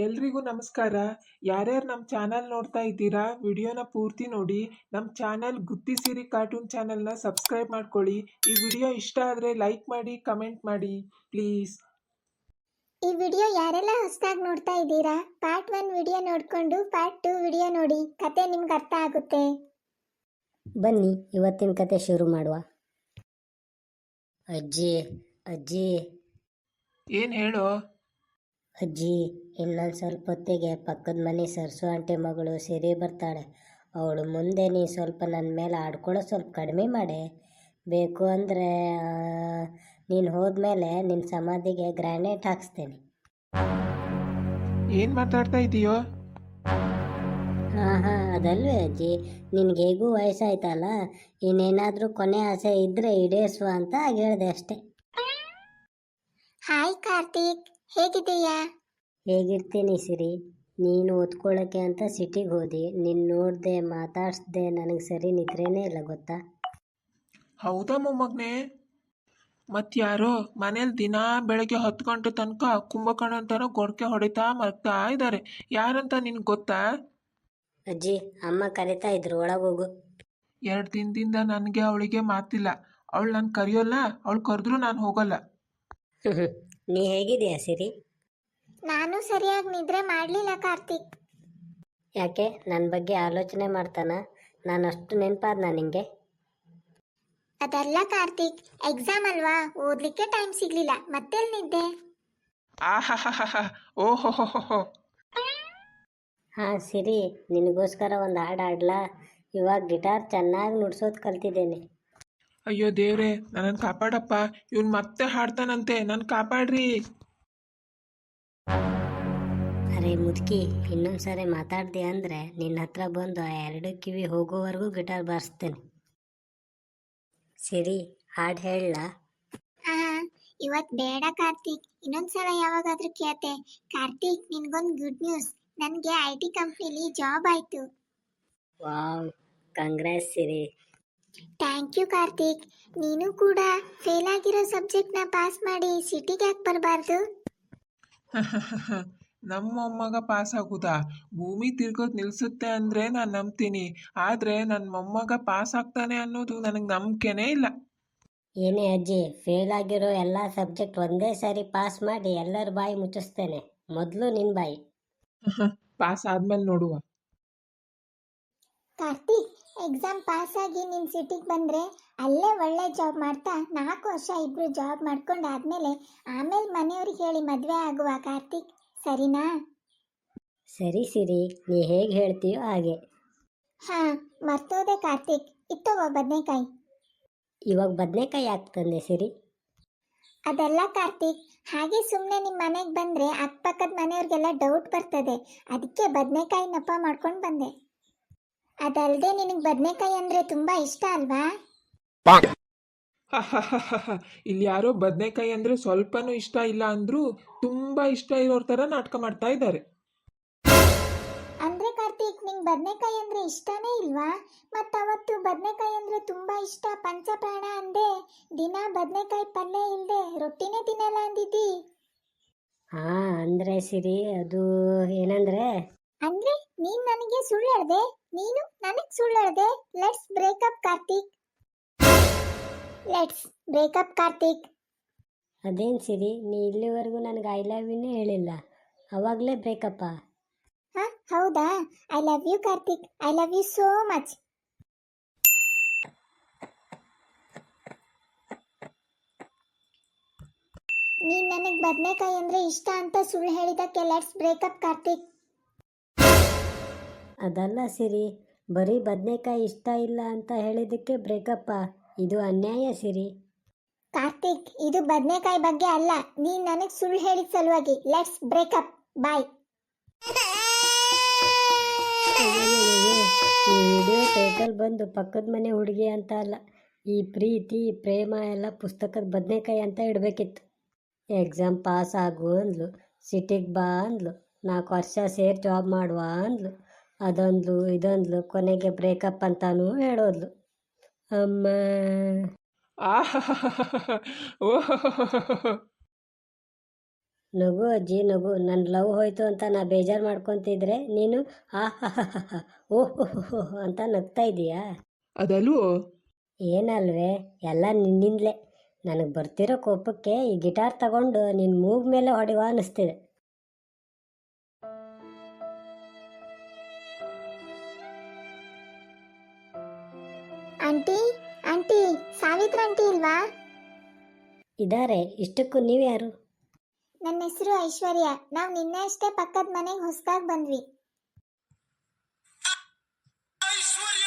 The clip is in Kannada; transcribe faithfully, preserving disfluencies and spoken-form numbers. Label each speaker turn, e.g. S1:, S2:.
S1: ಎಲ್ರಿಗೂ ನಮಸ್ಕಾರ. ಯಾರ್ಯಾರು ನಮ್ಮ ಚಾನಲ್ ನೋಡ್ತಾ ಇದ್ದೀರಾ, ವಿಡಿಯೋನ ಪೂರ್ತಿ ನೋಡಿ. ನಮ್ಮ ಚಾನಲ್ ಗುತ್ತಿ ಸಿರಿ ಕಾರ್ಟೂನ್ ಚಾನಲ್ನ ಸಬ್ಸ್ಕ್ರೈಬ್ ಮಾಡ್ಕೊಳ್ಳಿ. ಈ ವಿಡಿಯೋ ಇಷ್ಟ ಆದರೆ ಲೈಕ್ ಮಾಡಿ, ಕಮೆಂಟ್ ಮಾಡಿ ಪ್ಲೀಸ್.
S2: ಈ ವಿಡಿಯೋ ಯಾರೆಲ್ಲ ಹೊಸದಾಗಿ ನೋಡ್ತಾ ಇದ್ದೀರಾ, ಪಾರ್ಟ್ ಒನ್ ವಿಡಿಯೋ ನೋಡಿಕೊಂಡು ಪಾರ್ಟ್ ಟೂ ವಿಡಿಯೋ ನೋಡಿ, ಕತೆ ನಿಮ್ಗೆ ಅರ್ಥ ಆಗುತ್ತೆ.
S3: ಬನ್ನಿ ಇವತ್ತಿನ ಕತೆ ಶುರು ಮಾಡುವ. ಅಜ್ಜಿ ಅಜ್ಜಿ
S1: ಏನು ಹೇಳೋ?
S3: ಅಜ್ಜಿ, ಇನ್ನೊಂದು ಸ್ವಲ್ಪ ಹೊತ್ತಿಗೆ ಪಕ್ಕದ ಮನೆ ಸರ್ಸು ಆಂಟಿ ಮಗಳು ಸಿರಿ ಬರ್ತಾಳೆ. ಅವಳು ಮುಂದೆ ನೀ ಸ್ವಲ್ಪ ನನ್ನ ಮೇಲೆ ಆಡ್ಕೊಳ್ಳೋ ಸ್ವಲ್ಪ ಕಡಿಮೆ ಮಾಡೆ. ಬೇಕು ಅಂದರೆ ನೀನು ಹೋದ್ಮೇಲೆ ನಿನ್ನ ಸಮಾಧಿಗೆ ಗ್ರಾನೈಟ್ ಹಾಕ್ಸ್ತೇನೆ.
S1: ಏನು ಮಾತಾಡ್ತಾ ಇದೀಯೋ?
S3: ಹಾಂ ಹಾಂ ಅದಲ್ವೇ ಅಜ್ಜಿ, ನಿನಗೆ ಹೇಗೂ ವಯಸ್ಸಾಯ್ತಲ್ಲ, ಇನ್ನೇನಾದರೂ ಕೊನೆ ಆಸೆ ಇದ್ದರೆ ಈಡೇರಿಸುವ ಅಂತ ಹೇಳಿದೆ ಅಷ್ಟೆ.
S2: ಹಾಯ್ ಕಾರ್ತಿಕ್, ಹೇಗಿದ್ದೀಯಾ?
S3: ಹೇಗಿರ್ತೀನಿ ಸಿರಿ, ನೀನು ಓದ್ಕೊಳ್ಳೋಕ್ಕೆ ಅಂತ ಸಿಟಿಗೆ ಹೋದಿ, ನಿನ್ನ ನೋಡಿದೆ ಮಾತಾಡಿಸ್ದೆ, ನನಗೆ ಸರಿ ನಿದ್ರೇನೇ ಇಲ್ಲ ಗೊತ್ತಾ.
S1: ಹೌದಾ ಮೊಮ್ಮಗನೇ? ಮತ್ತಾರೋ ಮನೇಲಿ ದಿನ ಬೆಳಗ್ಗೆ ಹತ್ತು ಗಂಟೆ ತನಕ ಕುಂಭಕರ್ಣ ಅಂತಾರೋ ಗೊರಕೆ ಹೊಡಿತಾ ಮಲಗ್ತಾ ಇದ್ದಾರೆ. ಯಾರಂತ ನಿನ್ಗೆ ಗೊತ್ತಾ?
S3: ಅಜ್ಜಿ, ಅಮ್ಮ ಕರಿತಾ ಇದ್ರು, ಒಳಗೋಗು.
S1: ಎರಡು ದಿನದಿಂದ ನನಗೆ ಅವಳಿಗೆ ಮಾತಿಲ್ಲ. ಅವಳು ನಾನು ಕರೆಯೋಲ್ಲ, ಅವಳು ಕರೆದ್ರೂ ನಾನು ಹೋಗಲ್ಲ.
S3: ನೀ ಹೇಗಿದೆಯಾ ಸಿರಿ?
S2: ನಾನು ಸರಿಯಾಗಿ ನಿದ್ರೆ ಮಾಡಲಿಲ್ಲ ಕಾರ್ತಿಕ್.
S3: ಯಾಕೆ, ನನ್ನ ಬಗ್ಗೆ ಆಲೋಚನೆ ಮಾಡ್ತಾನ? ನಾನು ಅಷ್ಟು ನೆನಪಾದ್ನಾ ನಿಂಗೆ?
S2: ಅದಲ್ಲ ಕಾರ್ತಿಕ್, ಎಕ್ಸಾಮ್ ಅಲ್ವಾ, ಓದ್ಲಿಕ್ಕೆ ಟೈಮ್ ಸಿಗ್ಲಿಲ್ಲ, ಮತ್ತೆಲ್ಲಿ ನಿದ್ದೆ.
S1: ಆಹಾ ಓಹೋ.
S3: ಹಾಂ ಸಿರಿ, ನಿನಗೋಸ್ಕರ ಒಂದು ಹಾಡು ಹಾಡ್ಲಾ? ಇವಾಗ ಗಿಟಾರ್ ಚೆನ್ನಾಗಿ ನುಡ್ಸೋದು ಕಲ್ತಿದ್ದೇನೆ.
S1: ಅಯ್ಯೋ ದೇವ್ರೆ, ನನ್ನನ್ನು ಕಾಪಾಡಪ್ಪ. ಇವನು ಮತ್ತೆ ಹಾಡ್ತಾನಂತೆ, ನನ್ನ ಕಾಪಾಡ್ರಿ.
S3: ಅರೆ ಮುದುಕಿ, ಇನ್ನೊಂದು ಸಾರಿ ಮಾತಾಡ್ದೆ ಅಂದರೆ ನಿನ್ನ ಹತ್ರ ಬಂದು ಆ ಎರಡು ಕಿವಿ ಹೋಗೋವರೆಗೂ ಗಿಟಾರ್ ಬಾರಿಸ್ತೇನೆ. ಸಿರಿ, ಹಾಡು ಹೇಳಲಾ?
S2: ಹಾ, ಇವತ್ತು ಬೇಡ ಕಾರ್ತಿಕ್, ಇನ್ನೊಂದ್ಸಲ ಯಾವಾಗಾದ್ರೂ ಕೇಳ್ತೆ. ಕಾರ್ತಿಕ್, ನಿನ್ಗೊಂದು ಗುಡ್ ನ್ಯೂಸ್, ನನಗೆ ಐ ಟಿ ಕಂಪ್ನಿಲಿ ಜಾಬ್ ಆಯ್ತು.
S3: Wow, congrats Siri.
S2: Thank you Karthik. ನೀನು ಕೂಡ ಫೇಲ್ ಆಗಿರೋ ಸಬ್ಜೆಕ್ಟ್ನ ಪಾಸ್ ಮಾಡಿ ಸಿಟಿಗೆ ಯಾಕೆ ಬರಬಾರ್ದು?
S1: ನಮ್ಮ ಮೊಮ್ಮಗ ಪಾಸ್ ಆಗುದಾ? ಭೂಮಿ ತಿರ್ಗೋದು ನಿಲ್ಸುತ್ತೆ ಅಂದರೆ ನಾನು ನಂಬ್ತೀನಿ, ಆದರೆ ನನ್ನ ಮೊಮ್ಮಗ ಪಾಸ್ ಆಗ್ತಾನೆ ಅನ್ನೋದು ನನಗೆ ನಂಬಿಕೆನೇ ಇಲ್ಲ.
S3: ಏನೇ ಅಜ್ಜಿ, ಫೇಲ್ ಆಗಿರೋ ಎಲ್ಲ ಸಬ್ಜೆಕ್ಟ್ ಒಂದೇ ಸಾರಿ ಪಾಸ್ ಮಾಡಿ ಎಲ್ಲರ ಬಾಯಿ ಮುಚ್ಚಿಸ್ತೇನೆ. ಮೊದಲು ನಿನ್ನ ಬಾಯಿ.
S1: ಪಾಸ್ ಆದ್ಮೇಲೆ ನೋಡುವ.
S2: ಕಾರ್ತಿಕ್, ಎಕ್ಸಾಮ್ ಪಾಸ್ ಆಗಿ ನಿನ್ ಸಿಟಿಗೆ ಬಂದ್ರೆ ಅಲ್ಲೇ ಒಳ್ಳೆ ಜಾಬ್ ಮಾಡ್ತಾ ನಾಲ್ಕು ವರ್ಷ ಇಬ್ರು ಜಾಬ್ ಮಾಡ್ಕೊಂಡು ಆದ್ಮೇಲೆ ಆಮೇಲೆ ಮನೆಯವ್ರಿಗೆ ಹೇಳಿ ಮದ್ವೆ ಆಗುವ ಕಾರ್ತಿಕ್, ಸರಿನಾ?
S3: ಸರಿ ಸಿರಿ, ನೀ ಹೇಗೆ ಹೇಳ್ತೀಯೋ ಹಾಗೆ.
S2: ಹಾ, ಮರ್ತೋದೆ ಕಾರ್ತಿಕ್, ಇತ್ತೋಗೋ ಬದನೆಕಾಯಿ.
S3: ಇವಾಗ ಬದನೆಕಾಯಿ ಯಾಕೆ ತಂದೆ ಸಿರಿ?
S2: ಅದೆಲ್ಲ ಕಾರ್ತಿಕ್, ಹಾಗೆ ಸುಮ್ಮನೆ ನಿಮ್ಮ ಮನೆಗೆ ಬಂದ್ರೆ ಅಕ್ಕಪಕ್ಕದ ಮನೆಯವ್ರಿಗೆಲ್ಲ ಡೌಟ್ ಬರ್ತದೆ, ಅದಕ್ಕೆ ಬದನೆಕಾಯಿ ನಪ ಮಾಡ್ಕೊಂಡು ಬಂದೆ. ಅದಲ್ಲದೆ ನಿನಗೆ ಬದನೆಕಾಯಿ ಅಂದ್ರೆ ತುಂಬಾ ಇಷ್ಟ ಅಲ್ವಾ?
S1: ಇಲ್ಲಿ ಯಾರೋ ಬದನೆಕಾಯಿ ಅಂದ್ರೆ ಸ್ವಲ್ಪನೂ ಇಷ್ಟ ಇಲ್ಲ ಅಂದ್ರು ತುಂಬಾ ಇಷ್ಟ ಇರೋರ್ ತರ ನಾಟಕ ಮಾಡ್ತಾ ಇದ್ದಾರೆ.
S2: ಅಂದ್ರೆ ಕಾರ್ತಿಕ್, ನಿಂಗೆ ಬದನೆಕಾಯಿ ಅಂದ್ರೆ ಇಷ್ಟನೇ ಇಲ್ವಾ? ಮತ್ತ ಅವತ್ತು ಬದನೆಕಾಯಿ ಅಂದ್ರೆ ತುಂಬಾ ಇಷ್ಟ ಪಂಚಪ್ರಾಣ ಅಂದೆ, ದಿನ ಬದನೆಕಾಯಿ ಪಲ್ಯ ಇಲ್ದೆ ರೊಟ್ಟಿನೇ ತಿನ್ನಲ್ಲ ಅಂದಿದ್ದಿ.
S3: ಹಾ ಅಂದ್ರೆ ಸಿರಿ, ಅದು ಏನಂದ್ರೆ
S2: ಅಂದ್ರೆ ನೀನ್ ನನಗೆ ಸುಳ್ಳು ಹೇಳ್ದೆ, ನೀನು ನನಗ್ ಸುಳ್ಳು ಹೇಳ್ದೆ. Let's break up Karthik, let's break up Karthik.
S3: ಅದೇನು ಸಿರಿ, ನೀ ಇಲ್ಲಿವರೆಗೂ ನನಗೆ ಐ ಲವ್ ಯುನೇ ಹೇಳಿಲ್ಲ, ಅವಾಗಲೇ ಬ್ರೇಕಪ್ಪ?
S2: ಹಾ ಹೌದಾ? I love you Karthik, I love you so much. ನೀನ್ ನನಗ್ ಬದನೆಕಾಯಿ ಅಂದ್ರೆ ಇಷ್ಟ ಅಂತ ಸುಳ್ಳು ಹೇಳಿದಕ್ಕೆ ಲೆಟ್ಸ್ ಬ್ರೇಕಪ್ ಕಾರ್ತಿಕ್.
S3: ಅದಲ್ಲ ಸಿರಿ, ಬರೀ ಬದನೆಕಾಯಿ ಇಷ್ಟ ಇಲ್ಲ ಅಂತ ಹೇಳಿದ್ದಕ್ಕೆ ಬ್ರೇಕಪ್ಪ? ಇದು ಅನ್ಯಾಯ ಸಿರಿ.
S2: ಕಾರ್ತಿಕ್, ಇದು ಬದನೆಕಾಯಿ ಬಗ್ಗೆ ಅಲ್ಲ, ನೀನ್ ನನಗ್ ಸುಳ್ಳು ಹೇಳಿದ ಸಲುವಾಗಿ. Let's break up, bye.
S3: ಈ ವಿಡಿಯೋ ಟೈಟಲ್ ಬಂದು ಪಕ್ಕದ ಮನೆ ಹುಡುಗಿ ಅಂತ ಅಲ್ಲ, ಈ ಪ್ರೀತಿ ಪ್ರೇಮ ಎಲ್ಲ ಪುಸ್ತಕದ ಬದನೆಕಾಯಿ ಅಂತ ಇಡಬೇಕಿತ್ತು. ಎಕ್ಸಾಮ್ ಪಾಸ್ ಆಗು ಅಂದ್ಲು, ಸಿಟಿಗೆ ಬಾ ಅಂದ್ಲು, ನಾಲ್ಕು ವರ್ಷ ಸೇರಿ ಜಾಬ್ ಮಾಡುವ ಅಂದ್ಲು, ಅದೊಂದ್ಲು ಇದೊಂದ್ಲು, ಕೊನೆಗೆ ಬ್ರೇಕಪ್ ಅಂತಾನೂ ಹೇಳೋದ್ಲು. ಅಮ್ಮ,
S1: ಓಹೋ.
S3: ನಗು ಅಜ್ಜಿ ನಗು, ನನ್ನ ಲವ್ ಹೋಯ್ತು ಅಂತ ನಾ ಬೇಜಾರು ಮಾಡ್ಕೊತಿದ್ರೆ ನೀನು ಆ ಹ ಹ ಹ ಹ ಓಹ್ ಅಂತ ನಗ್ತಾ ಇದೀಯಾ?
S1: ಅದಲ್ವೋ.
S3: ಏನಲ್ವೇ, ಎಲ್ಲ ನಿನ್ನಿಂದಲೇ. ನನಗೆ ಬರ್ತಿರೋ ಕೋಪಕ್ಕೆ ಈ ಗಿಟಾರ್ ತಗೊಂಡು ನಿನ್ನ ಮೂಗ್ ಮೇಲೆ ಹೊಡೆಯುವ ಅನ್ನಿಸ್ತಿದೆ.
S2: ಆಂಟಿ ಆಂಟಿ ಸಾವಿತ್ರ ಆಂಟಿ ಇಲ್ವಾ?
S3: ಇದಾರೆ. ಇಷ್ಟಕ್ಕೂ ನೀವು ಯಾರು?
S2: ನನ್ನ ಹೆಸರು ಐಶ್ವರ್ಯ. ನಾವು ನಿನ್ನೆ ಅಷ್ಟೇ ಪಕ್ಕದ ಮನೆಗೆ ಹೊಸದಾಗಿ ಬಂದ್ವಿ.
S4: ಐಶ್ವರ್ಯ